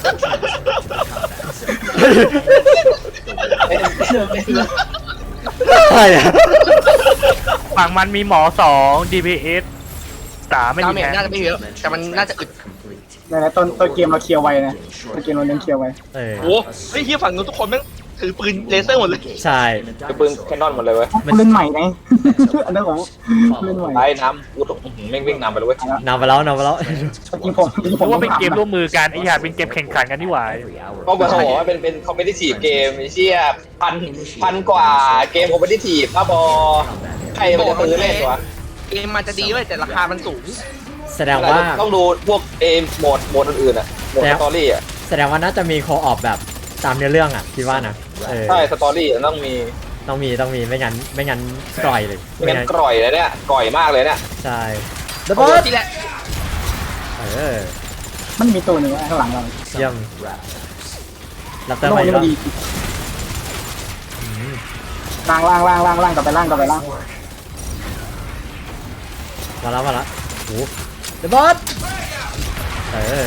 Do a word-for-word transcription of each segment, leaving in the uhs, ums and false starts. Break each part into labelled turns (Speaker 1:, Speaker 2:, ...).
Speaker 1: ใช่อะ
Speaker 2: ฝั่งมันมีหมอสอง ดี พี เอส สามไม่
Speaker 3: ดา
Speaker 2: มี
Speaker 3: เมจ
Speaker 2: แพ้
Speaker 3: น่าจะไม่เยอะแต่มันน่าจะอึด
Speaker 4: ในต้นต้นเกมเราเคลียร์ไวนะต้นเกมเราเน้นเคลียร์ไว
Speaker 1: เออ
Speaker 3: โอ้เฮ้ยเฮียฝั่งนู้นทุกคนแม่งถือปืนเลเซอร์หมดเลย
Speaker 1: ใช่
Speaker 5: คือปืนแคนนอนหมดเลยเว้ย
Speaker 4: เล่นใหม่ไงอันนั้นผมเล่นใหม่
Speaker 5: ไอ้น้ำกูต้องแม่งวิ่งนำไปเลยเว้ย
Speaker 1: นำไปแล้วนำไปแล้ว
Speaker 4: จริงผมจริง
Speaker 2: เพ
Speaker 4: ผม
Speaker 2: ราะว่าเป็นเกมร่วมมือกันไอ้ห่าเป็นเกมแข่งขันกันนี่หว่า
Speaker 5: ก็บอกว่าเป็นเป็นคอมเพลติทีฟเกมไอ้เชี่ยพันพันกว่าเกมคอมเพลติทีฟครับบอใครมันจะซื้อเล่นวะ
Speaker 3: เกมมันจะดีเว้ยแต่ราคามันสูง
Speaker 1: แสดงว่า
Speaker 5: ต้องดูพวกเอมโหมดโหมดอื่นๆอ่ะโหมดสตอรี่อ่ะ
Speaker 1: แสดงว่าน่าจะมีโคออฟแบบตามเนื้อเรื่องอ่ะคิดว่านะเออ
Speaker 5: ใช่สตอรี่ต้องมี
Speaker 1: ต้องมีต้องมีไม่งั้นไม่งั้นกร่อยเลย
Speaker 5: ไม่งั้นกร่อยเลยเนี่ยกร่อยมากเลยเนี่ย
Speaker 1: ใช่ดับ
Speaker 3: โอ้
Speaker 1: เบิล
Speaker 3: ที่แหละ
Speaker 1: เออ
Speaker 4: มันมีตัวหนึ่งข้างหลังเรา
Speaker 1: เยี่ยมรับเติม
Speaker 4: โล
Speaker 1: ใหม่
Speaker 4: นี่
Speaker 1: แล้
Speaker 4: มั
Speaker 1: วน
Speaker 4: ดีล่างล่างล่างล่างล่างกลับไปล่างกลับไปล่าง
Speaker 1: มาแล้วมาแล้วโอ้ดับเบิลเออ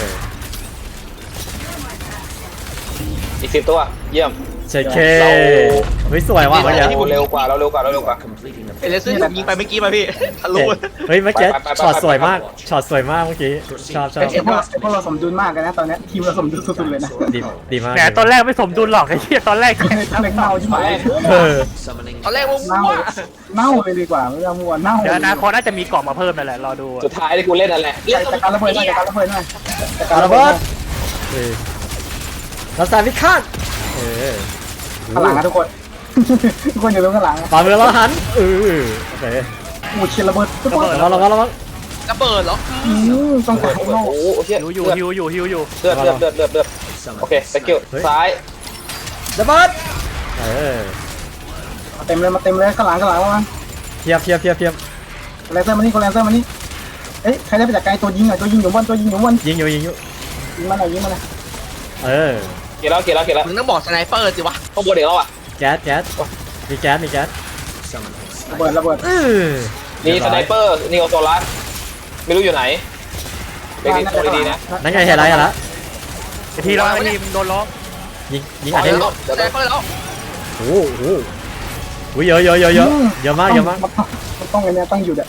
Speaker 5: อีกสิบตัวเยี่ยม
Speaker 1: เช็คเคเฮ้ยสวยว่ะเมื่อกี้
Speaker 5: เราเร็วกว่าเราเร็วกว่าเราเร็วกว่า
Speaker 3: ไอ้เลเซอร์ที่ผมยิงไปเมื่อกี้มาพี่ทะลุ
Speaker 1: เฮ้ยเมื่อกี้
Speaker 5: ไปไปไปไป
Speaker 1: ช็อตสวยมากช็อตสวยมากเมื่อกี้ชอบชอบ
Speaker 4: ไอ้พวกไอ้พวกเราสมดุลมากกันนะตอนนี้ทีมเราสมดุลสุดๆเลยนะ
Speaker 1: ดีดีมาก
Speaker 2: แหมตอนแรกไม่สมดุลหรอกไอ้เหี้ยตอนแรก
Speaker 4: เล่นเน่าใช่ไหม
Speaker 1: เออ
Speaker 3: ตอนแรกว่า
Speaker 4: เน่า
Speaker 3: มั่ว
Speaker 4: เน่าเลยดีกว่าไม่ต้องมัวเน่า
Speaker 2: เดี๋ยวอนาคตน่าจะมีกล่องมาเพิ่มนั่นแหละรอดู
Speaker 5: สุดท้ายที่กูเล่นนั่นแหละ
Speaker 4: จัดการระเบิดหน่อยจัดการระเบิดหน่อยจัดการ
Speaker 1: ระ
Speaker 4: ระเบิ
Speaker 1: เบิ
Speaker 4: ด
Speaker 1: ดเออเราสายพิฆาตเออ
Speaker 4: ข้างหลังนะทุกคนทุกคนอยู่ตรงข้างหลัง
Speaker 1: ฝ่ามือเราหันเออโอเค
Speaker 4: โอ้เชียร์ระเบิดทุกคน
Speaker 1: ระวังระวังระวัง
Speaker 3: ระเบิดเหรอ
Speaker 4: อืมต้อง
Speaker 5: โอ้
Speaker 4: การ
Speaker 5: โห
Speaker 4: โลก
Speaker 5: โอ้โหเชี่ย
Speaker 2: ฮิวอยู่ฮิวอยู่ฮิวอยู่
Speaker 5: เลือดเลือดเลือดเลือดเลือดโอเคสกิลซ้าย
Speaker 1: ระเบิดเออ
Speaker 4: เต็มเลยมาเต็มเลยข้างหลังข้างหลังมา
Speaker 1: เทียบเทียบเทียบเทียบ
Speaker 4: แลนเซอร์มานี่คนแลนเซอร์มานี่เอ๊ะใครได้ไปจากไกลตัวยิงอ่ะตัวยิงอยู่บนตัวยิงอยู่บน
Speaker 1: ยิงอยู่ยิงอยู่
Speaker 4: ยิงมาหน่อยยิงมาหน่อย
Speaker 1: เออ
Speaker 5: เกี่ยวแล้วเกี่ยวแล้วเกี่ยวแล้ว
Speaker 3: มึงต้องบอกสไนเปอร์สิวะ
Speaker 5: ข้างบนเด็กแล้วอ่ะ
Speaker 1: แก๊สแก๊สมีแก๊สมีแก๊ส
Speaker 4: ระเบิดระเบิด
Speaker 1: เออ
Speaker 5: มีสไนเปอร์นีโอโซลัสไม่รู้อยู่ไหนเด็กๆตัวดีๆนะ
Speaker 1: นั่นไงเห็นอะไรกันละ
Speaker 2: ไอ้ทีเราไอ้ทีมโดนล้อ
Speaker 1: ยิงยิง
Speaker 5: อ๋อ
Speaker 1: อัด
Speaker 5: เดี๋
Speaker 1: ได้
Speaker 5: ยวเดี๋ยว
Speaker 3: สไนเปอร์แล้ว
Speaker 1: โอ้โหอุ้ยเยอะเยอะเยอะเยอะเยอะมากเยอะมาก
Speaker 4: มันต้องไงเนี่ยต้องหยุดอ่ะ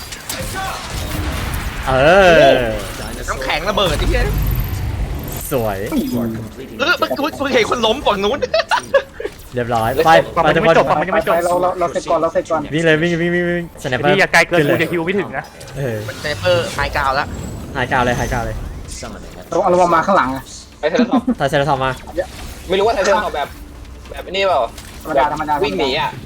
Speaker 1: เออ
Speaker 3: น้ำแข็งระเบิดที่เหี้ย
Speaker 1: สวย
Speaker 3: เออเมื่อกี้เพิ่งเห็นคนล้มฝั่งนู้น
Speaker 1: เรียบร้อยไปไปทุกคน
Speaker 4: ไปไปเราเราเราเสร็จก่อนเราเสร็จก่อน
Speaker 1: วิ่งเลยวิ่งวิ่งวิ่งวิ่งสแนปเปอ
Speaker 2: ไอ้
Speaker 1: ร์
Speaker 2: ทีอย่าไกลเกินกูจะฮิวไม่ถึงนะ
Speaker 1: เออ
Speaker 3: สไนเปอร์ไฮกราวแล้ว
Speaker 1: หายกาวเลยหายกาวเลย
Speaker 4: เราเอาเรามาข้างหลังอ่ะ
Speaker 5: ไปเทเลทอป
Speaker 1: ถ่ายเซราทอมมา
Speaker 5: ไม่รู้ว่าไทเทเลทอปแบบแบบนี้เปล่า
Speaker 4: ธรรมดาธรรมดา
Speaker 5: วิ่งหนีอ่ะ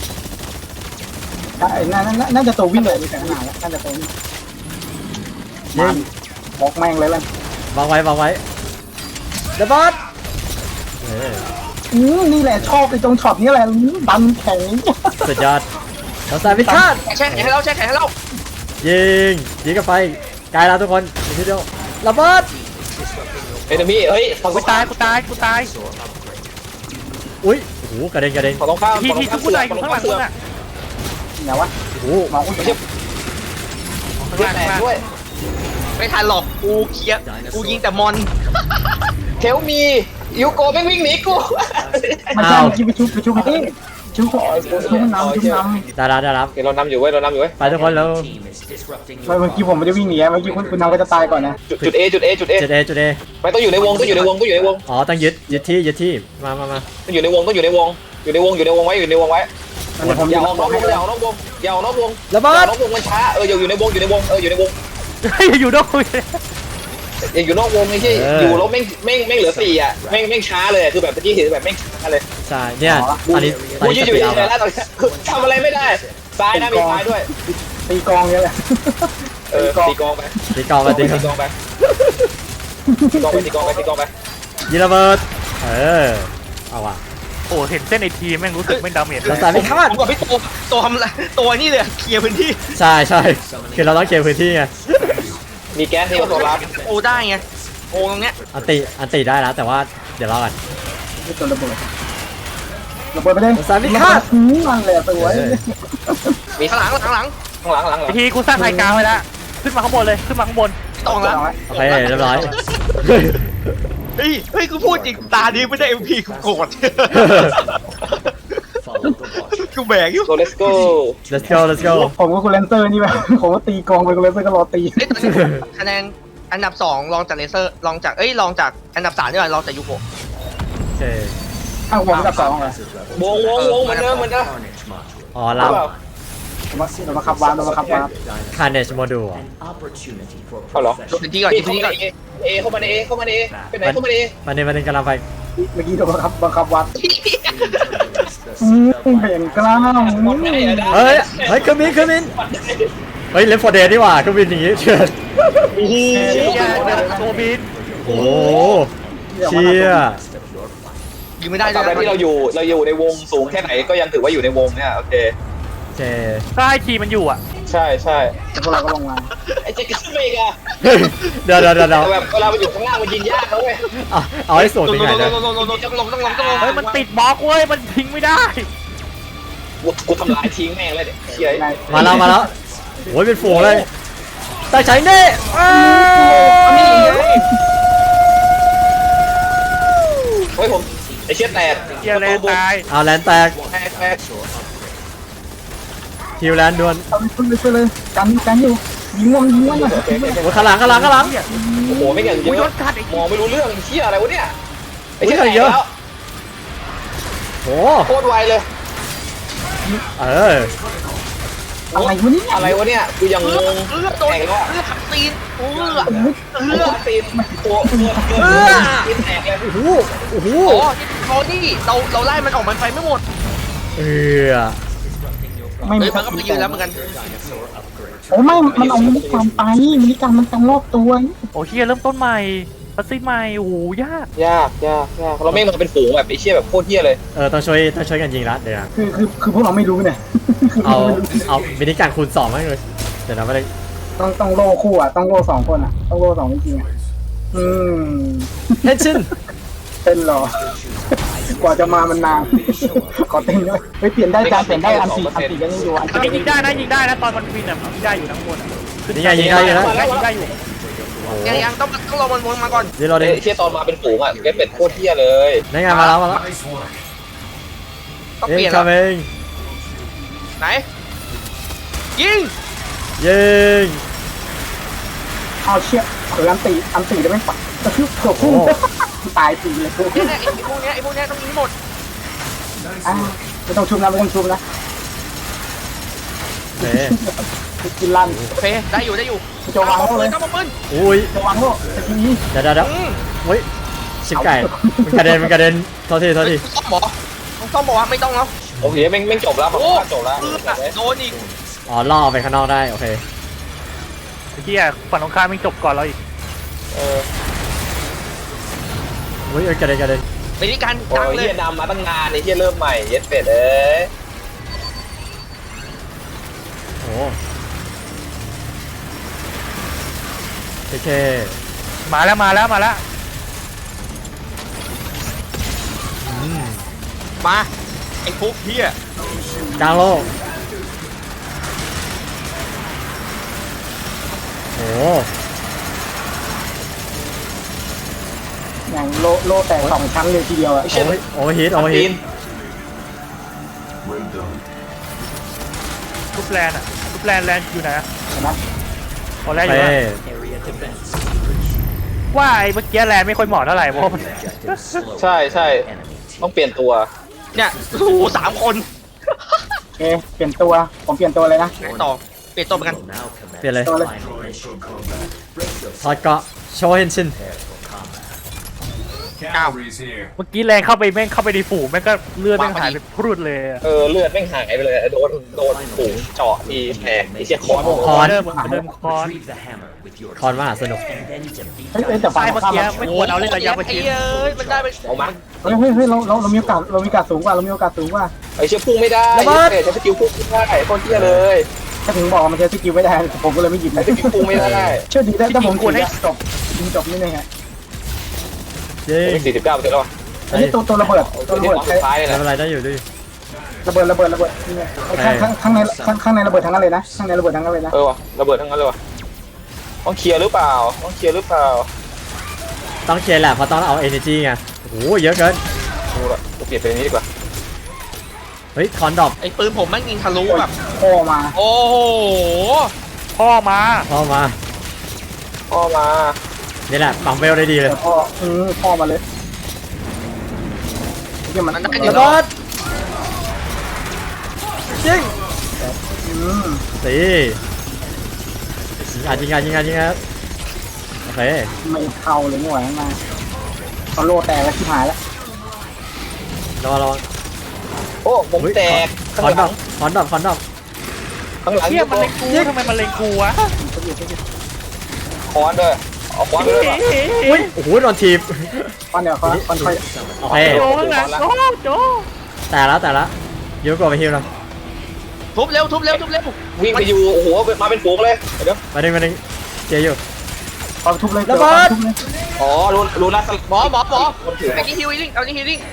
Speaker 4: น่าน่าจะตัววิ่งเลยมีแต่ขนาดแล้วน่าจะตัววิ่งมาบอกแม่งเลยล่ะ
Speaker 1: วางไว้วางไว้เดบอสเออ
Speaker 4: อืมนี่แหละชอบไอ้ตรงช็อตนี้แหละดันแข็ง
Speaker 1: สุดยอดเราสายพิฆาต
Speaker 3: แช่แข็งให้เราแช่แข็งให้เรา
Speaker 1: ยิงยิงกันไปไกลแล้วทุกคนอีกทีเดียวระเบิด
Speaker 5: เอนมี่เฮ้ยฝั่ง
Speaker 2: กูตายกูตายกูตาย
Speaker 1: อุ้ยโอ้โหกระเด็นกระเด็น
Speaker 5: ฝั่งตรงข้าม
Speaker 2: ทีที่ทุกคนตายอยู่ข้างหลังมึงอ่ะ
Speaker 4: เนี่ยวะ
Speaker 1: โอ้โห
Speaker 4: มองอุ้ย
Speaker 5: ไม่ใช่
Speaker 2: ข้าง
Speaker 5: เลือ
Speaker 2: ล่า
Speaker 5: ด
Speaker 2: ง
Speaker 5: แต
Speaker 2: ข้าง
Speaker 5: ก
Speaker 2: ล่าง
Speaker 5: ด้วย
Speaker 3: ไม่ทันหรอกกูเคลียร์กูยิงแต่มอน
Speaker 5: เทลมียูโกไม่วิ่งหนีกู
Speaker 4: ไม่ใช่เมื่อกี้ไปชุบไปชุบไปที่ชุบชุบน้ำชุบน้ำ
Speaker 1: ได้รับได้รับ
Speaker 5: เดี๋ยวเรานำอยู่เว้ยเรานำอยู่เว้ย
Speaker 1: ไปทุกคนแล้ว
Speaker 4: เมื่อกี้ผมไม่ได้วิ่งหนีเมื่อกี้คุณคุณน้ำก็จะตายก่อนนะ
Speaker 5: จุดจุดเอจุดเอจุดเอ
Speaker 1: จุดเอจุดเอ
Speaker 5: ไปต้องอยู่ในวงต้องอยู่ในวงต้องอยู่ในวง
Speaker 1: อ๋อต้องยึดยึดที่ยึดที่มามามา
Speaker 5: ต้องอยู่ในวงต้องอยู่ในวงอยู่ในวงอยู่ในวงไว้อยู่ในวงไว้
Speaker 4: เดี๋ยวผม
Speaker 5: อย่า
Speaker 4: จะ
Speaker 5: ออกนอกวงอย่าออกนอกวงอย่าออกนอกวง
Speaker 1: ระ
Speaker 5: อ
Speaker 1: เบิ
Speaker 5: ย่าอ
Speaker 1: ด
Speaker 5: อกนอกวงมันช้าเอออยู่อยู่ในวงอยู่ในวงเอออยู่ในวง
Speaker 2: อยู่ด้วย
Speaker 5: อย่าอยู่นอกวงไม่ใช่อยู่แล้วแม่งแม่งแม่งเหลือสี่อ่ะแม่งแม่งช้าเลยคือแบบเมื่อกี้เห็นแบบแม่งช้าเลย
Speaker 1: ใช่เนี่ยตอนนี้ตอน
Speaker 5: กู
Speaker 1: นี้
Speaker 5: ยื
Speaker 1: ส
Speaker 5: นอยู่
Speaker 1: ปีด
Speaker 5: ใน
Speaker 1: อัพ
Speaker 5: แล้
Speaker 1: แล้ว
Speaker 5: วตอนนี้คือทำอะไรไม่ได้ซ้ายนะมีซ้ายด้วย
Speaker 4: ตีกองเนี่ยแหละ
Speaker 5: เออตีกองไป
Speaker 1: ตีกองไปตี
Speaker 5: ตี
Speaker 1: กอง
Speaker 5: กองไปตีกองไปตีกองไปตีกองไป
Speaker 1: ยิงระเบิดเออเอาว่ะ
Speaker 2: โอ้เห็นเส้นไอทีแม่งรู้สึกไม่ดาเมจเล
Speaker 1: เรา
Speaker 2: ย
Speaker 1: สายพิฆาต
Speaker 3: ผมกับพี่ตัวตัวทำตัวนี่เลยเคลียร์พื้นที่
Speaker 1: ใช่ใช่คือเราต้องเคลียร์พื้นที่ไง
Speaker 5: มีแก๊สที่เอาตัวรับ
Speaker 3: โอได้ไงโอตรงเนี้ย
Speaker 1: อันติอันติได้แล้วแต่ว่าเดี๋ยวรอกัน
Speaker 4: ไม่ตัวระเบิดระเบิดไปเลยนั่นแหละสวย
Speaker 5: มี
Speaker 3: ข้างหลังข้างหลัง
Speaker 5: ข้างหลังข้างหลัง
Speaker 2: ไอทีกูสร้างไฮกราวไว้แล้วขึ้นมาข้างบนเลยขึ้นมาข้างบน
Speaker 3: ตรงแล้ว
Speaker 1: โอเคเรียบร้อย
Speaker 3: เฮ้ยเฮ้ยกูพูดจริงตานี้ไม่ได้เอ็มพีกูโกรธกูแบกอยู่
Speaker 5: โซ let's go
Speaker 1: let's go let's go
Speaker 4: ผมก็คุณเลนเซอร์นี่แบบผมก็ตีกองไปคุณเลนเซอร์ก็รอตี
Speaker 3: เอ้ยตอนนี้คะแนนอันดับสองรองจากเลเซอร์รองจากเอ้ยรองจากอันดับสามนี่แหละรองจากยูโกะ
Speaker 1: โอเค
Speaker 4: อ้าวผมกับสองเหรอ
Speaker 5: วงวงวงเหมือนเดิมเหมือนเดิม
Speaker 1: อ๋อ
Speaker 5: หรื
Speaker 1: เรา
Speaker 5: อเปล่า
Speaker 4: เรามาเรามาขับวาร์ปเรามาขับวาร์ป
Speaker 1: Carnage Module อ่ะ
Speaker 5: เอาเหรอ
Speaker 3: ดูพื้นที่ก่อนดูพื้นที่ก่อน
Speaker 5: เอเข้ามาในเอเข้ามาในเอไปไหนเข้ามาในเอ
Speaker 1: มันนี่มันนี่กำลังไป
Speaker 4: เมื่อกี้เรามาขับมาขับวาร์ปอืมเห็นกล้าม
Speaker 5: หมดไหนอะได้
Speaker 1: เฮ้ย เฮ้ยเครื่องบินเครื่องบินเฮ้ยเลฟฟอร์เดย์ดีกว่าเครื่องบินอย่างงี้เชิญ
Speaker 5: โอ้โห
Speaker 2: เชี่ยตัวบิน
Speaker 1: โอ้โหเชี่ย
Speaker 3: ยิงไม่ได้
Speaker 5: ตาม
Speaker 3: เล
Speaker 5: ใด
Speaker 3: ย
Speaker 5: ที่เราอยู่เราอยู่ในวงสูงแค่ไหนก็ยังถือว่าอยู่ในวงเนี่ยโอเค
Speaker 1: โอเค
Speaker 2: ถ้าไอทีมันอยู่อ่ะ
Speaker 5: ใช่ใช่
Speaker 4: พวกเราก็ลงมา
Speaker 5: ไอ้เจ๊กขึ้นไปอีกอะ
Speaker 1: เฮ้ยเดี๋ยวเดี๋ยวเดี๋ยวเดี๋ยว
Speaker 5: แต่แบบเวลาไปอยู่ข้างล่างมันยิงยากนะเว้ย
Speaker 1: เอาเอาให้สูง
Speaker 3: ล
Speaker 1: ถึ
Speaker 3: ง
Speaker 1: งไหน
Speaker 3: ล
Speaker 1: นะ
Speaker 3: งลงลงลงต้องลงต้องลงต้องลง
Speaker 2: เฮ้ยมันติดบล็อกเว้ยมันทิ้งไม่ได้
Speaker 5: กูกูทำลายทิ้งแม่งเลยเนี่ยเชี่ย
Speaker 4: ใน
Speaker 1: มาแล้วมาแล้วโอ้ยเป็นฝูงเลยแต่ใช้เน่อ้าว
Speaker 5: เฮ้ยผมไอ้เชี่ยแตก
Speaker 2: เชี่ยแลนตาย
Speaker 1: เอาแลนแตก
Speaker 5: แตกแตก
Speaker 1: คิวแลนด่วน
Speaker 4: เอาไปเลยไปเลยกันกันอยู่ยิงวงยิงวงหน่อย
Speaker 5: โอเคโอเคโอเค
Speaker 1: โอ้ยข้างหลังข้างหลังข้างหลัง
Speaker 5: โอ้โหไม่อย่างเย
Speaker 2: โอ้ยโด
Speaker 5: อะ
Speaker 2: นกัดไอ้
Speaker 5: มองไม่รู้เรื่องเชี่ยอะไรวะเนี่ยไอ้เชี่ย
Speaker 1: โอ้ย
Speaker 5: แตก
Speaker 1: เยอะ
Speaker 5: แล้ว
Speaker 1: โอ้
Speaker 5: โคตรไวเลย
Speaker 1: เออ
Speaker 4: อะไรวะเนี่ย
Speaker 5: อะไรวะเนี่ยกูยังง
Speaker 3: เลือด
Speaker 5: ง
Speaker 3: เลือดโดน
Speaker 5: แตกแล้วอะ
Speaker 3: เลือดขับตีนเลือด
Speaker 5: เลือดตีนตัวเลือดเลือดตีนแตกเลย
Speaker 1: โอ้โหโอ้โห
Speaker 3: โอ้ที่เขานี่เราเราไล่มันออกมันไปไม่หมด
Speaker 1: เออ
Speaker 4: ไม่
Speaker 3: เฮ้
Speaker 4: มี
Speaker 3: ยมันก็ไปยืนแล้วเหมือนกัน
Speaker 4: โอ้ไม่มันเอามินิการไปมินิการมันกันรอบตัว
Speaker 2: โอ้เชี่ยเริ่มต้นใหม่พัซซี่ใหม่โอ้โหยาก
Speaker 5: ยากยากยากเราไม่มาเป็นฝูงแบบไอ้เชี่ยแบบโคตรเหี้ยเลย
Speaker 1: เออต้องช่วยต้องช่วยกันยิงละเดี๋ยวนะ
Speaker 4: คือคือคือพวกเราไม่รู้เนี่ยคือ
Speaker 1: เอาเอามินิการคูณสองไหมเลยเดี๋ยวนะไม่ได้
Speaker 4: ต้องต้องโล่คู่อ่ะต้องโล่สองคนอ่ะต้องโล่สองจริงๆอ่ะอืม
Speaker 1: เทนชิน
Speaker 4: เต้นรอ กว่าจะมามันนาน ขอเต้นด้วยเฮ้ยเปลี่ยนได้จานเปลี่ยนได้อันสี่อันสี่ก็ยังอยู่อัน
Speaker 2: อันนี้
Speaker 4: สี่
Speaker 2: ยิงได้นะยิงได้นะตอนมันบินอ่ะยิงได้อยู่ทั้งหมดอ่ะ
Speaker 1: นี่ไงยิงได้อยู่นะ
Speaker 2: ยิงได้ยิงได้อยู่
Speaker 1: โอ้โห
Speaker 3: ยังยังต้องต้องรอมันวนมาก่อน
Speaker 1: เดี๋ยวเรา
Speaker 5: ไอ้
Speaker 1: ได้
Speaker 5: เชี่ยตอนมาเป็นฝูงอ่ะเก็เป็ดโคตรเหี้ยเลย
Speaker 1: ได้ไงมาแล้วมาแล้ว
Speaker 3: ต้อง
Speaker 1: เอ็
Speaker 3: เปลี่ย
Speaker 1: ง
Speaker 3: น
Speaker 1: คา
Speaker 3: แล้ว
Speaker 1: เอง
Speaker 3: ไหนยิง
Speaker 1: ยิง
Speaker 4: เอาเชี่ยเผื่ออันสี่อันสี่จะไม่ปัดกระทืบเกือบพุ่งตายสี่เลยกู
Speaker 3: เนี่ยเนี่ยไอ้พวกเนี้ยไอ้พวกเนี้ยต้องยิงหมด
Speaker 4: อ่าไม่ต้องชุบนะไม่ต้องชุบนะ
Speaker 1: เฮ้ย
Speaker 4: กินลั่น
Speaker 3: โอเคได้อยู่ได้อยู่
Speaker 4: จะวางโล่เลย
Speaker 3: ก้าวปืน
Speaker 1: อุ้ย
Speaker 4: จะวางโล่แต่ทีนี้
Speaker 1: เดี๋ยวเดี๋ยวเดี๋ยว
Speaker 3: อืม
Speaker 1: เฮ้ยชิบไก่มันกระเด็นมันกระเด็นโทษทีโทษที
Speaker 3: ซ่อมหมอต้องซ่อมบอกว่าไม่ต้องแล้ว
Speaker 5: โอเคแม่งแม่งจบแล้วผม
Speaker 3: โอ้
Speaker 5: ว่าจบแล้ว
Speaker 3: เลือดโดนอีก
Speaker 1: อ๋อล่อไปข้างนอกได้โอเค
Speaker 2: ไอ้เชี่ยฝั่งตรงข้ามมันจบก่อนเราอีก
Speaker 5: เออ
Speaker 1: เฮ้ยเอ้ยกระเด็นกระเด็น
Speaker 3: ไปที่การ
Speaker 5: โอ้
Speaker 3: ดัง
Speaker 5: ย
Speaker 3: เล
Speaker 5: เฮี
Speaker 3: ย
Speaker 5: ยนำมาตั้งนานไอ้เฮียเริ่มใหม่เย็ดเป็ดเอ้ย
Speaker 1: โอ้โอเค
Speaker 2: มาแล้วมาแล้วมาแล้ว
Speaker 1: อืม
Speaker 3: มาไอ้ฟุกเฮีย
Speaker 1: กลางโลกโอ้
Speaker 4: อย่างโล่โล่แต่สองชั้นเลยทีเดียวอ่ะ
Speaker 5: ไอ้เชี่ย
Speaker 1: โอ้ยโอ้ยฮิตโอ้ย
Speaker 5: ตี
Speaker 1: ฮิต
Speaker 5: น
Speaker 2: ทุบแลนอ่ะทุบแลนแลนอยู่ไหนอะ
Speaker 4: เห็นไหม
Speaker 2: อ๋อแลนอ
Speaker 1: เฮ้
Speaker 2: ยู่นะว่าไอ้เมื่อกี้แลนไม่ค่อยเหมาะเท่าไหร่เพราะมัน
Speaker 5: ใช่ใช่ต้องเปลี่ยนตัว
Speaker 3: เนี่ยโอ้โหสามคน
Speaker 4: โอเคเปลี่ยนตัวผมเปลี่ยนตัวเลยนะ
Speaker 3: ไหนต่อเปลี่ยนตัวเหมือนกัน
Speaker 1: เปลี่ยนเลย
Speaker 4: ตัวเลย
Speaker 1: ถอดเกาะโชว์เฮนชิน
Speaker 6: Cavalry's here.
Speaker 2: เมื่อกี้แลนเข้าไปแม่งเข้าไปในฝูงแม่งก็เลือดแม่งหายไปพรุดเลยอะ
Speaker 5: เออเลือดแม่งหายไปเลยโดนโดนฝูงเจาะทีแตกไอ้เชี่ยคอน
Speaker 1: คอน
Speaker 2: เดิมเดิมคอน
Speaker 1: คอนมหาสนุก
Speaker 4: เฮ้ยเฮ้ยแต่ฝั่
Speaker 2: ใช่
Speaker 4: ง
Speaker 2: เมื่อ
Speaker 4: ข้าม
Speaker 2: กี้
Speaker 4: เรา
Speaker 2: ไม่ควรเอาเล่นระยะประ
Speaker 3: ไอ้
Speaker 2: ชิด
Speaker 3: เอ้ยมันได้ไป
Speaker 5: ออกมา
Speaker 4: เฮ้ยเฮ้ยเฮ้ยเราเราเรามีโอกาสเรามีโอกาสสูงกว่าเรามีโอกาสสูงกว่า
Speaker 5: ไอ้เชี่ยพุ่งไม่ได้เย็ดเป็ดใช้สกิลพุ่งไม่ได้โคตรเหี้ยเลย
Speaker 4: ถ้าถึงบอกว่ามันใช้สกิลไม่ได้ผมก็เลยไม่หยิบเลย
Speaker 5: ใช้สกิลพุ่งไม่ได้
Speaker 4: เชื่อดีได้ถ้าผมถือจบยิงจบนี่เลยฮะ
Speaker 1: เย้
Speaker 5: สี่สิบเก้าเปอร์เซ็นต์แล้ว
Speaker 4: อันนี้ตัวตัวระเบิดตัว
Speaker 5: ตัว
Speaker 4: ระ
Speaker 5: ที่
Speaker 4: เบิด
Speaker 5: สุดท้ายเลย
Speaker 1: ไม่
Speaker 5: นะ
Speaker 1: เป็นไรได้อยู่ดิ
Speaker 4: ระเบิดระเบิดระเบิดนี่ไงข้างข้างข้างในข้างข้างในระเบิดทั้งนั้นเลยนะข้างในระเบิดทั้งนั้นเลยนะ
Speaker 5: เออว่ะระเบิดทั้งนั้นเลยว่ะต้องเคลียร์หรือเปล่าต้องเคลียร์หรือเปล่า
Speaker 1: ต้องเคลียร์แหละเพราะต้องเอา energy ไงโอ้โหเยอะเกิน
Speaker 5: กูละกูเปลี่ยนเป็นอันนี้ดีกว่า
Speaker 1: เฮ้ยคอนดรอป
Speaker 3: ไอ้ปืนผมแม่งยิงทะลุแบบ
Speaker 4: พ่อมา
Speaker 3: โอ้โห
Speaker 2: พ่อมา
Speaker 1: พ่อมา
Speaker 5: พ่อมา
Speaker 1: นี่แหละปั๊มเวลได้ดีเลย
Speaker 4: แต่พ่ออืมพ่อมาเลยเฮียมัน
Speaker 3: มันได้
Speaker 1: ระ
Speaker 3: เดี๋ยว
Speaker 1: เบิดยิง
Speaker 4: อืม
Speaker 1: สิยิงอ่ะยิงอ่ะยิงอ่ะยิงอ่ะโอเค
Speaker 4: ไม่เข้าเลยไม่ไหวมาเขาโลแตกแล้วที่หายแล้ว
Speaker 1: รอรอ
Speaker 5: โอ้ผมแตก
Speaker 1: คอนดรอปคอนดรอปคอนดรอป
Speaker 5: ข้างหลัง
Speaker 2: เฮียมันเล็งกูทำไมมันเล็งกูวะ
Speaker 5: ค้อนด้วยเอาค้อนไปด้วยป่ะ
Speaker 1: อุ้ยโอ้โหโดนทีบ
Speaker 4: ก้อนเดียวเขาก้อนค่อย
Speaker 1: โอเค
Speaker 2: โจข้างหลังโจโจ
Speaker 1: แต่ละแต่ละยูโกไปฮิวหน่อย
Speaker 3: ทุบเร็วทุบเร็วทุบเร็ว
Speaker 5: วิ่งไปอยู่โอ้โหมาเป็นฝูงเลยเดี๋ยว
Speaker 1: มาหนึ่งมาหนึ่งเจียอยู่
Speaker 4: เอาทุบเลย
Speaker 1: ระเบิด
Speaker 4: ทุบเลย
Speaker 5: อ๋อรู้รู้นะ
Speaker 3: หมอหมอหมอ
Speaker 5: คนถือ
Speaker 3: ไอ้นี่ฮิวลิ่งเอานี่ฮิวลิ่ง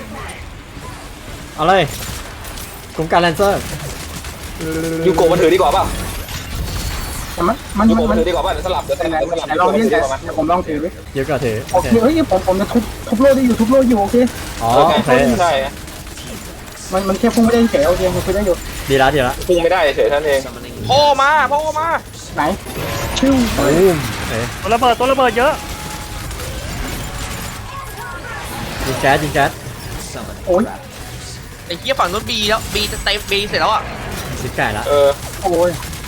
Speaker 1: เอาเลยกลุ่มการแลนเซอร์
Speaker 5: ยูโกะมันถือดีกว่าป่ะ
Speaker 4: แต่มันมัน
Speaker 5: ยู
Speaker 4: มัน
Speaker 5: โกะมั
Speaker 4: มัน น
Speaker 5: ถือดีกว่าป่ะเดี๋ยวสลับเดี๋ยวส
Speaker 4: ไหน
Speaker 5: ลับเดี๋ยวสลับ
Speaker 4: ไหนลองเล่นแต่เดี๋ยวผมลองถือดิ
Speaker 1: ยูก็ถือ
Speaker 4: โอเคเฮ้ยผมผมจะทุบทุบโลได้อยู่ทุบโลอยู่โอเค
Speaker 1: อ๋อ
Speaker 5: โอ
Speaker 1: โอ
Speaker 5: เค
Speaker 1: เค
Speaker 5: ใช่
Speaker 4: มันมันแค่พุ่งไม่ได้เฉยโอเคมันคุยได้อยู่
Speaker 1: ดีละดีละ
Speaker 5: พุ่งไม่ได้เฉยท่านเอง
Speaker 3: พ่อมาพ่อมา
Speaker 4: ไหนชิว
Speaker 1: ตูมโอเค
Speaker 2: ตัวระเบิดตัวระเบิดเยอะ
Speaker 1: ยิงแก๊สยิงแก๊ส
Speaker 4: โอ้ย
Speaker 3: ไอ้เหี้ยฝั่งนู้นบีแล้วบีจะเต็มบีเสร็จแล้วอ่ะ
Speaker 1: สิบไก่ละ
Speaker 5: เออ
Speaker 4: โอ้ย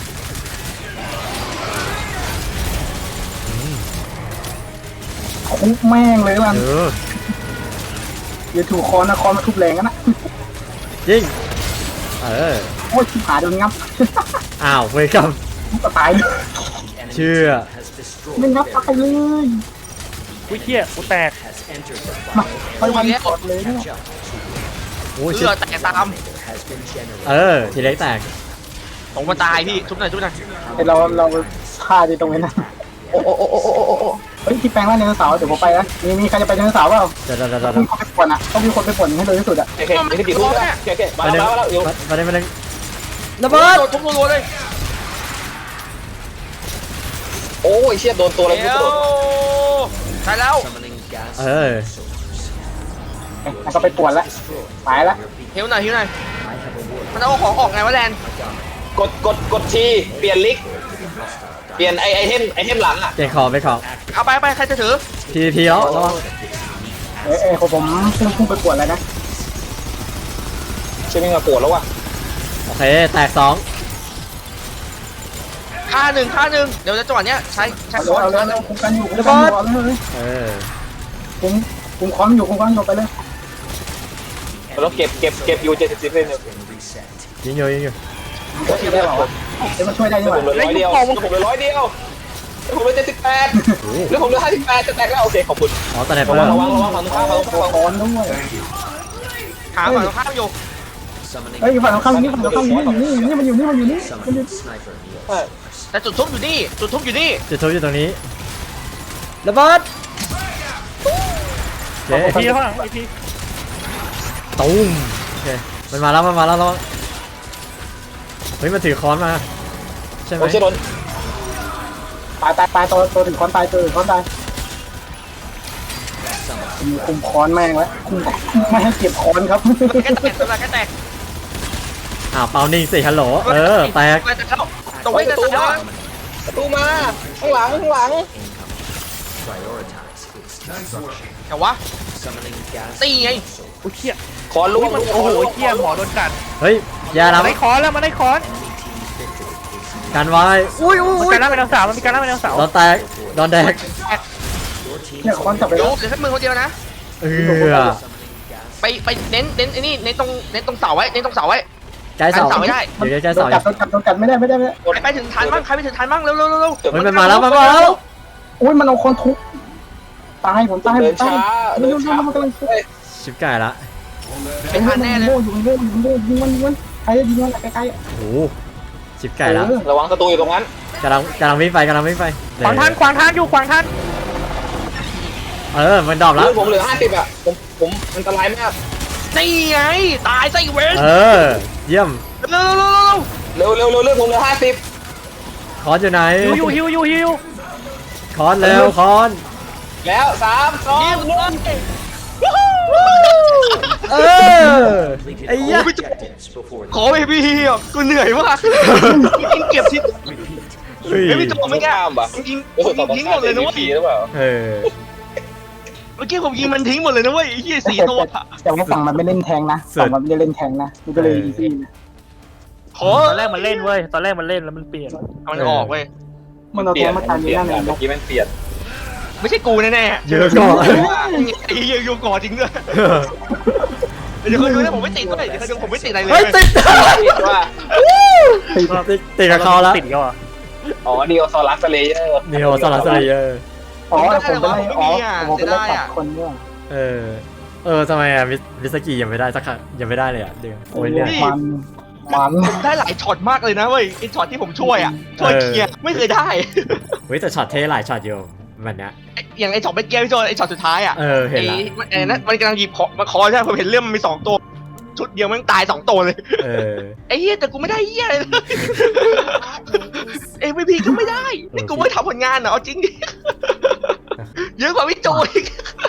Speaker 4: คุบแม่งเลยมัน
Speaker 1: เออ
Speaker 4: อย่าถูกคอนนะคอนมาทุบแรงกันนะ
Speaker 1: ยิงเออ
Speaker 4: โอ้ยชิบหายโดนงับ
Speaker 1: อ้าวเวกัม
Speaker 4: ก็ตายเลย
Speaker 1: เชื่อ
Speaker 4: ไม่งับตายเลย
Speaker 2: อุ้ยเฮียกูแตก
Speaker 4: มาไปวันกดเลยเนี่ย
Speaker 1: โอ้ย
Speaker 3: เลื
Speaker 1: เชื่อ
Speaker 3: อดแตกตาม
Speaker 1: เออทีเล็กแตก
Speaker 3: ผมมาตายพี่ทุบหน่อยทุบหน่อย
Speaker 4: ไอเราเราฆ่าที่ตรงนี้นะ
Speaker 5: โอ้โอ้โอ้โอ้โอ้โอ้โอ้
Speaker 4: เฮ้ยที่แปลงร่างไดโนเสาร์เดี๋ยวผมไปนะมีมีใครจะไปไดโนเสาร์เปล่า
Speaker 1: เดี๋ยวเดี๋ยวเดี๋ยว
Speaker 4: ต้
Speaker 1: เดี๋
Speaker 4: อย ง
Speaker 1: ว
Speaker 4: เข้าไปป่วนอ่ะต้องมีคนไปป่วนให้เร็วที่สุดอ่ะ
Speaker 5: โอเคนี่คือกี่ทุ่มแล้วโอเคโอเคมา
Speaker 1: ไปหนึ่ง
Speaker 5: แล้วมาแล้วอยู่
Speaker 1: ไปหนึ่งไปหนึ่งระเบิด
Speaker 3: ทุบรัวๆเลย
Speaker 5: โอ้ยเชี่ยโดนตัวอะไร
Speaker 3: เดี๋
Speaker 5: ไม่
Speaker 3: ยว
Speaker 5: รู้
Speaker 3: ได้แล้ว
Speaker 1: เออ
Speaker 4: แล้วก็ไปป่วนละไปละ
Speaker 3: ฮิวหน่อยฮิวหน่อยมันเอาของออกไงวะแลน
Speaker 5: กดกดกดทีเปลี่ยนลิกเปลี่ยนไอไอเทมไอเทมหลังอ่ะ
Speaker 1: เก่งของไปของ
Speaker 3: เอาไปไปใครจะถือ
Speaker 1: พีพีแล้วระวัง
Speaker 4: เอ้ยเอ้ยของผมพุ่งพุ่งไปป่วนแล้วนะ
Speaker 5: ใช่ไหมมาปวดแล้วว่ะ
Speaker 1: โอเคแตกสอง
Speaker 3: ค่าหนึ่งค่าหนึ่งเดี๋ยวจะจังหวะเนี้ยใช้ใช้
Speaker 4: เอา
Speaker 3: ค
Speaker 4: เลย
Speaker 3: อน
Speaker 4: เอาเลย
Speaker 3: ค่าหนึ่ง
Speaker 4: คุมกันอยู่คุมกันอยู่เอาเลย
Speaker 1: เออ
Speaker 4: คุมคุมคอมอยู่คุมคอมอยู่ไปเลย
Speaker 5: แล้วเก็บเก็บเก็บอยู่เจ็ดสิบเลยเนี่ย
Speaker 1: ยิงอยู่ยิงอยู่
Speaker 4: ช่วยได้เปล่าวะเดี๋ยวมาช่วยได้ดีก
Speaker 5: ผ
Speaker 4: ว่าม
Speaker 5: เหลือร้อยเดียวผมเหลือร้อยเดียวผมเหลือเจ็ดสิบแปดหรือผมเหลือห้าสิบแปดจะแตกแล้วโอเคขอบคุณ
Speaker 1: อ๋อตอนไหน
Speaker 5: ระ
Speaker 1: เปิ
Speaker 5: วั
Speaker 1: ด
Speaker 5: งระวังระวังฝั่งตรงข้ามฝั่งตรง
Speaker 4: ตัว
Speaker 5: ข้าม
Speaker 4: คอนด้วย
Speaker 3: หาฝั่งตรงข้ามอยู่
Speaker 4: เฮ้ยฝั่งตรงข้ามนี่ฝั่งตรงข้ามนี่นี่นี่มันอยู่นี่มันอยู่นี่มันอยู่
Speaker 3: แต่จุดทุบอยู่นี่จุดทุบอยู่นี่
Speaker 1: จุดทุบอยู่ตรงนี้ระเบิดโอเค
Speaker 2: ไอพีข้างหลังไอพี
Speaker 1: ตูมโอเคมันมาแล้วมันมาแล้วระวังเฮ้ยมันถือค้อนมาใช่ไหม
Speaker 5: โอ้เชี่ยโดน
Speaker 4: ตายตายตายตัวตัวถึงคอนตายตัวถึงคอนตายคุมคอนแม่งแล้วคุมไม่ให้เก็บคอนครับ
Speaker 3: แค่แตกตัวละแค่แตก
Speaker 1: อ้าวเปานิ่งสิฮัลโหลเออแตก
Speaker 3: ไปแตกแล้วตรง
Speaker 5: เฮ้
Speaker 3: ไว้
Speaker 5: ย
Speaker 3: แต
Speaker 5: ประ
Speaker 3: ก
Speaker 5: ตู
Speaker 3: แล้ว
Speaker 5: มาประตูมาข้างหลังข้างหลัง
Speaker 3: แต่วะตีไง
Speaker 2: อุ้ยเฮีย
Speaker 5: ขอลู
Speaker 2: อุ้
Speaker 5: ก
Speaker 2: ยมันโอ้โหเฮียหมอโดนกัด
Speaker 1: เฮ้ยอยา
Speaker 2: มั
Speaker 1: ละ
Speaker 2: นได้คอนแล้วมันได้คอน
Speaker 1: การไว้อุ้ยอุ้ย
Speaker 2: มัน
Speaker 1: อุ้
Speaker 2: การล่าเป็นดาวสาวมันมีการล่าเป็นดาวสาว
Speaker 1: โดนแตกโดนแดก
Speaker 4: เนี่ยคอนจับไป
Speaker 3: โย
Speaker 4: แล้ว
Speaker 3: กเดี๋ยวแค่มือคนเดียวนะ
Speaker 1: เออ
Speaker 3: ไปไปเน้นเน้นไอ้นี่เน้นตรงเน้นตรงเสาไว้เน้นตรงเสาไว้
Speaker 1: ใกล้เสา
Speaker 3: กันเสาไม่ได้
Speaker 1: เดี๋ยวใกล้
Speaker 4: โด
Speaker 1: เสาน
Speaker 4: กัดโดนกัดโดนกัดไม่ได้ไม่ได้ไม่ได้
Speaker 3: ใครไปถึงทันบ้างใครไปถึงทันบ้างเร็วเร็วเร็วเร็ว
Speaker 1: เฮ้ยมันมาแล้วมันมาแล้ว
Speaker 4: อุ้ยมันเอาคอนทุบตายผมตาย
Speaker 5: เดิ
Speaker 4: ผ
Speaker 5: น
Speaker 4: มตา
Speaker 5: ช้าย
Speaker 4: มัน
Speaker 5: เดิน
Speaker 4: โดน
Speaker 5: ช้า
Speaker 4: มันกำลัง
Speaker 1: ชิบไก่ละ
Speaker 3: เป็นทันแน่เลย
Speaker 4: โง่อยู่โง่อยู่โง่ยิงมันยิงมันใครจะยิงมันใกล้
Speaker 1: โอ้โหชิบไก่ละ
Speaker 5: ระวังศัตรูอยู่ตรงนั้น
Speaker 1: กำลังกำลังวิ่งไปกำลังวิ่งไป
Speaker 2: ขวางทางขวางทางอยู่ขวางทาง
Speaker 1: เออมันดรอปแล้
Speaker 5: เลื
Speaker 1: ว
Speaker 5: อดผมเหลือห้าสิบอ่ะผมผมอันตรายมาก
Speaker 3: นี่ไงตายซะอีเวน
Speaker 1: เออเยี่ยม
Speaker 3: เร็วเร็วเร็วเร็ว
Speaker 5: เร็วเร็วเร็วเลือดผมเหลือห้าสิบ
Speaker 1: คอนอยู่ไหน
Speaker 2: ฮิวอยู่ฮิวอยู่ฮิว
Speaker 1: คอนเร็วคอน
Speaker 5: แล้วสามสองหนึ่ง
Speaker 1: เออไอ้เหี้ย
Speaker 3: ขอไปพี่อ่ะกูเหนื่อยมากยิงเก็บทิศ
Speaker 1: เฮ้ย
Speaker 3: ไม่มีตัวไม่กล้า
Speaker 5: ข้ามปะ
Speaker 3: ยิง
Speaker 5: โอ้โหต่อ
Speaker 3: ทิ้ง
Speaker 5: ข้า
Speaker 3: หมดเลยนะเว้ย
Speaker 5: หรือเปล่า
Speaker 1: เออ
Speaker 3: เมื่อกี้ผมยิงมันทิ้งหมดเลยนะเว้ยไอ้เหี้ยสี่ตัว
Speaker 4: แต่ว่าฝั่งมันไม่เล่นแทงนะฝั่งมันไม่ได้เล่นแทงนะมันก็เลยอีซี่นะ
Speaker 3: ขอ
Speaker 2: ตอนแรกมันเล่นเว้ยตอนแรกมันเล่นแล้วมันเปลี่ยน
Speaker 3: เอามันออกเว้ย
Speaker 4: มันเอา
Speaker 5: เปลี่
Speaker 4: ตั
Speaker 5: ยน
Speaker 4: วมาตาย
Speaker 5: เป
Speaker 4: นี้
Speaker 5: ลี่ยน
Speaker 4: นั่นเอง
Speaker 5: เมื่อกี้มันเปลี่ยน
Speaker 3: ไม่ใช่กูแน่ๆ
Speaker 1: เยอะก่อน
Speaker 3: ไอ้เหี้ยโยกอจริงด้วยเดี๋ยวเขาดูนะผมไม่ติดด้วยเดี๋ยวเขาดูผมไม่ติดอะไรเลย
Speaker 1: เฮ้ยติด
Speaker 5: คิดว่า
Speaker 1: ติดติดติดกับเขาแล้ว
Speaker 2: ติดก็อ่ะ
Speaker 5: อ๋อดีโอซอรัสเลเยอร์
Speaker 1: นิโอซาลัสเลเยอร์
Speaker 4: อ๋อผมไปไล่อ๋อผมไปไล่ตัดคนเนี่ย
Speaker 1: เออ เออทำไมอะมิมิสกี้ยังไม่ได้สักครั้งยังไม่ได้เลยอ่ะเดี๋ยวโอ้ยเนี่ย
Speaker 4: มันมัน
Speaker 3: ได้หลายช็อตมากเลยนะเว้ยไอ้ช็อตที่ผมช่วยอ่ะช่วยเคลียร์ไม่เคยได้
Speaker 1: เฮ้ยแต่ช็อตเท่หลายช็อตอยู่แบบเนี้ย
Speaker 3: อย่างไอ้ช็อตเมื่อกี้พี่โจไอ้ช็อตสุดท้ายอ่ะ
Speaker 1: เออเห็น
Speaker 3: ไอ้
Speaker 1: ละ
Speaker 3: ไอ้นั่นมันกำลังหยิบของมาคอใช่ไหมผมเห็นเรื่องมันมีสองตัวชุดเดียวมันตายสองตัวเลย
Speaker 1: เออ
Speaker 3: ไอ้เหี้ยแต่กูไม่ได้เหี้ยเลยเอ็มวีพีก็ไม่ได้นี่กูไม่ทำผลงานเหรอเอาจริงดิเยอะกว่าพี่โจอีก